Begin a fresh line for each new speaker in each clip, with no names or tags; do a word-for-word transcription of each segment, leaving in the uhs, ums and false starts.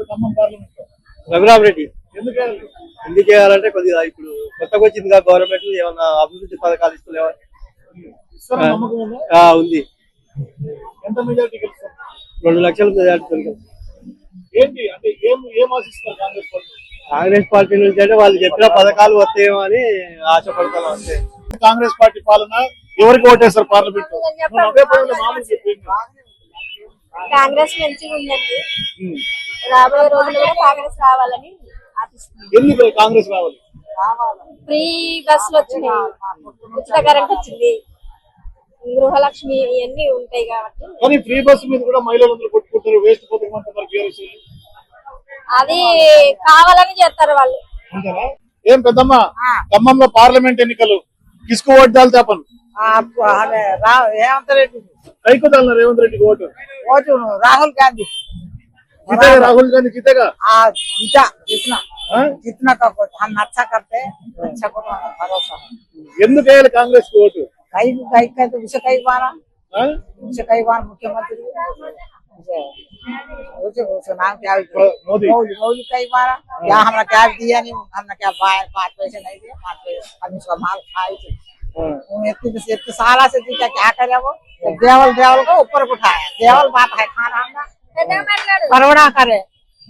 Khammam parliament?
Raghurama Reddy.
ఎందుకు
ఎందుకు చేయాలంటే కొద్దిగా ఇప్పుడు కొత్తగా వచ్చింది గవర్నమెంట్ ఏమన్నా అభివృద్ధి పథకాలు ఇస్తలేవా?
నమ్మకం ఉందా?
ఉంది.
ఎంత మెజారిటీ గెలుస్తారు?
రెండు లక్షల మెజారిటీ.
ఏంటి అంటే ఏం ఏం ఆశిస్తున్నారు కాంగ్రెస్ పార్టీ?
కాంగ్రెస్ పార్టీ నుంచి అంటే వాళ్ళు చెప్పిన పథకాలు వస్తాయేమో అని ఆశపడతాను అంతే.
కాంగ్రెస్ పార్టీ పాలన ఎవరికి ఓటేస్తారు పార్లమెంట్?
కాంగ్రెస్ మంచిగా ఉందండి. రాబోయే రోజుల్లో కూడా కాంగ్రెస్ రావాలని ఆశిస్తున్నాం.
ఎందుకు కాంగ్రెస్ రావాలి?
ఫ్రీ బస్సులు వచ్చినాయి, ఉచిత కరెంట్ వచ్చింది, గృహలక్ష్మి ఇవన్నీ ఉంటాయి కాబట్టి.
కానీ ఫ్రీ బస్సు మీద కూడా మహిళలందరూ కొట్టుకుంటారు, వేస్ట్ పోతున్నారు.
అది కావాలని చేస్తారు వాళ్ళు.
ఏం పెద్దమ్మా, ఖమ్మంలో పార్లమెంట్ ఎన్నికలు కిసుకు ఓటు దాల్ చెప్పను
రేవంత్ రెడ్డి
కైకు దాల్ రేవంత్ రెడ్డికి ఓటు
ఓటు రాహుల్ గాంధీ
जीतेगा राहुल गांधी जीतेगा?
हाँ जीता जितना जितना का हम अच्छा करते अच्छा को भरोसा
ఎందుకు వేయాలి కాంగ్రెస్ కి ఓటు?
कई कई कई तो उसे कई बार उसे कई बार मुख्यमंत्री उसे उसे नाम क्या
मोदी
मोदी कई बार क्या हमरा क्या दिया नहीं, हमने क्या पाँच पैसे नहीं दिए, पाँच पैसे हम इसका माल खाए थे। इतने इतने साला से जीता क्या करे वो? देवल देवल को ऊपर उठाया, देवल बात है खाना हमने కరోనా కరే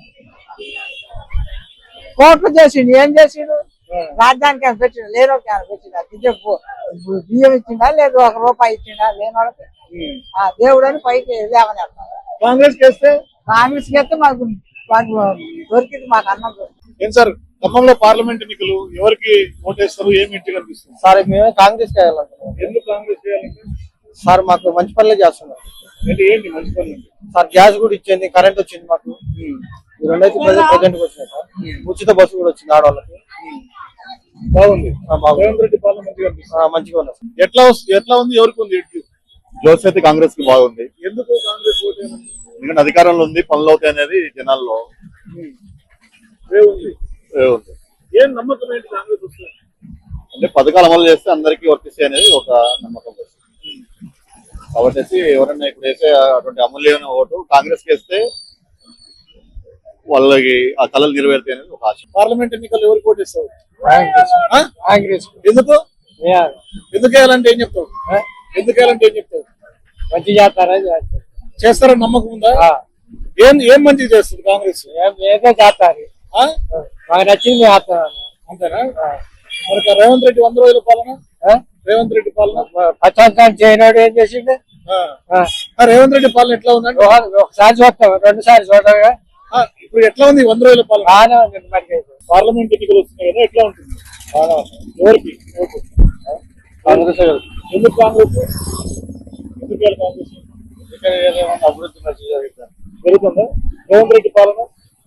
కోట్లు చేసిండు, ఏం చేసిండు? రాజధానికి ఏమైనా పెట్టిండు? లేని వాళ్ళకి ఏమైనా పెట్టిండా? బియ్యం ఇచ్చిండా? లేదు ఒక రూపాయి ఇచ్చిండా? లేని వాళ్ళకి దేవుడు అని పైకి లేవని
కాంగ్రెస్ చేస్తే
కాంగ్రెస్ చేస్తే మాకు మాకు దొరికింది, మాకు అన్నం దొరికింది.
ఏం సార్ ఖమ్మంలో పార్లమెంట్ ఎన్నికలు ఎవరికి ఓటేస్తారు? ఏమి ఇంటి కనిపిస్తుంది
సార్? మేమే కాంగ్రెస్ చేయాలంటున్నాం.
ఎందుకు కాంగ్రెస్ చేయాలంటే?
సార్ మాకు మంచి పనులే చేస్తున్నారు.
అంటే ఏంటి మంచి పనులు?
సార్ గ్యాస్ కూడా ఇచ్చింది, కరెంట్ వచ్చింది మాకు, రెండైతే ప్రజెంట్ వచ్చినాయి సార్. ఉచిత బస్సు కూడా వచ్చింది ఆడవాళ్ళకి.
బాగుంది. రేవంత్ రెడ్డి పాలన మంచిగా
మంచిగా ఉన్నారు.
ఎట్లా ఎట్లా ఉంది? ఎవరికి ఉంది?
జోస్ అయితే కాంగ్రెస్ కి బాగుంది.
ఎందుకు కాంగ్రెస్ ఓటు?
ఎందుకంటే అధికారంలో ఉంది, పనులు అవుతాయి అనేది జనాల్లో
ఉంది.
ఏం
నమ్మకం ఏంటి కాంగ్రెస్ వస్తుంది
అంటే పథకాలు అమలు చేస్తే అందరికీ వర్తిస్తాయి అనేది ఒక నమ్మకం వస్తుంది. కాబట్టి ఎవరైనా ఇప్పుడు వేసే అటువంటి అమూల్యమైన ఓటు కాంగ్రెస్ కి వేస్తే వాళ్ళకి ఆ కళలు నెరవేరుతాయి అనేది ఒక ఆశ.
పార్లమెంట్ ఎన్నికలు ఎవరికి ఓటేస్తారు?
కాంగ్రెస్.
ఎందుకు ఎందుకు వేయాలంటే ఏం చెప్తావు? ఎందుకు వేయాలంటే ఏం చెప్తావు?
మంచి చేస్తారని
చేస్తారని నమ్మకం ఉందా? ఏం ఏం మంచి చేస్తుంది కాంగ్రెస్?
ఏదో చేస్తారు, మాకు నచ్చింది చేస్తాను
అంతేనా? మరి రేవంత్ రెడ్డి వంద రోజుల పాలన, రేవంత్ రెడ్డి పాలన
పచ్చంతాన్ని చేయనాడు ఏం చేసిండు?
రేవంత్ రెడ్డి పాలన ఎట్లా ఉందండి?
ఒకసారి చూస్తాం, రెండు సార్లు చూడగా.
ఇప్పుడు ఎట్లా ఉంది వంద రోజుల పాలన?
బాగానే ఉంది. మరి
పార్లమెంట్ ఎన్నికలు వస్తున్నాయి కదా, ఎట్లా ఉంటుంది? ఎవరికి ఓటు?
కాంగ్రెస్.
ఎందుకు కాంగ్రెస్? ఎందుకు కాంగ్రెస్?
అభివృద్ధి మంచిగా జరుగుతుంది.
జరుగుతుందా రేవంత్ రెడ్డి పాలన?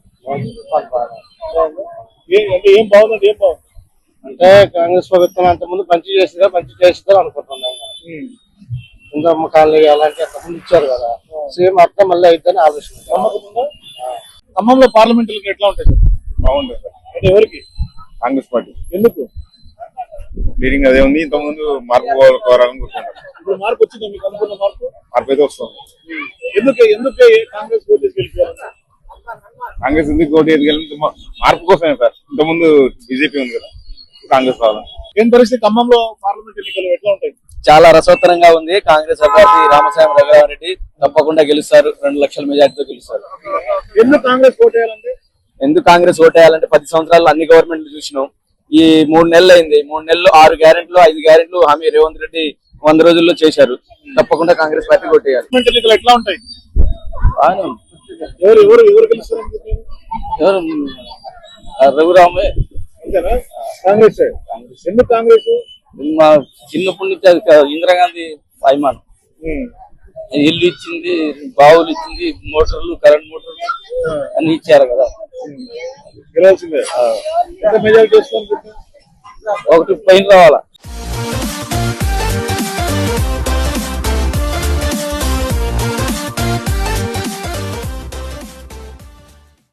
అంటే ఏం బాగుందండి? ఏం బాగుంది
అంటే కాంగ్రెస్ ప్రభుత్వం అంత ముందు మంచి చేసిందా, మంచి చేస్తుందో అనుకుంటున్నాం. ఇంకా అమ్మకాలు అలాంటి అంత ముందు ఇచ్చారు కదా, సేమ్ అర్థం మళ్ళీ అయిద్దని ఆలోచన.
ఖమ్మంలో పార్లమెంట్ ఎట్లా ఉంటాయి సార్?
బాగుంది సార్.
అంటే ఎవరికి?
కాంగ్రెస్ పార్టీ.
ఎందుకు?
లీడింగ్ అదే ఉంది. ఇంత ముందు మార్పు కోరాలని కూర్చుంటారు.
ఇప్పుడు మార్పు వచ్చిందా మీకు? అనుకున్న మార్పు
మార్పు అయితే వస్తుంది.
ఎందుకు ఎందుకు కాంగ్రెస్ ఓటు గెలిపారు?
కాంగ్రెస్ ఎందుకు ఓటు ఎదిగలింది? మార్పు కోసమే సార్. ఇంత ముందు బీజేపీ ఉంది కదా, కాంగ్రెస్ రావాలి.
ఏం పరిస్థితి ఖమ్మంలో పార్లమెంట్ ఎన్నికలు ఎట్లా ఉంటాయి?
చాలా రసవత్తరంగా ఉంది. కాంగ్రెస్ అభ్యర్థి రామసాయం రఘురామరెడ్డి తప్పకుండా గెలుస్తారు, రెండు లక్షల మెజార్టీతో గెలుస్తారు.
ఎందుకు కాంగ్రెస్ ఓటు వేయాలంటే?
ఎందుకు కాంగ్రెస్ ఓటు వేయాలంటే పది సంవత్సరాలు అన్ని గవర్నమెంట్ చూసినాం. ఈ మూడు నెలలు అయింది, మూడు నెలలు ఆరు గ్యారెంట్లు ఐదు గ్యారెంట్లు హామీ రేవంత్ రెడ్డి వంద రోజుల్లో చేశారు. తప్పకుండా కాంగ్రెస్ పార్టీ ఓటు వేయాలి.
ఎన్నికలు ఎట్లా ఉంటాయి? ఎవరు ఎవరు ఎవరు గెలుస్తారు?
ఎవరు? రఘురామే.
అంతేనా? కాంగ్రెస్. ఎందుకు కాంగ్రెస్?
మా చిన్నప్పటి నుంచి అది ఇందిరాగాంధీ అభిమానం. ఇల్లు ఇచ్చింది, బావులు ఇచ్చింది, మోటార్లు, కరెంట్ మోటార్లు అన్ని ఇచ్చారు కదా.
గెలవాల్సిందే. మెజారిటీ
ఒకటి పైన రావాలా?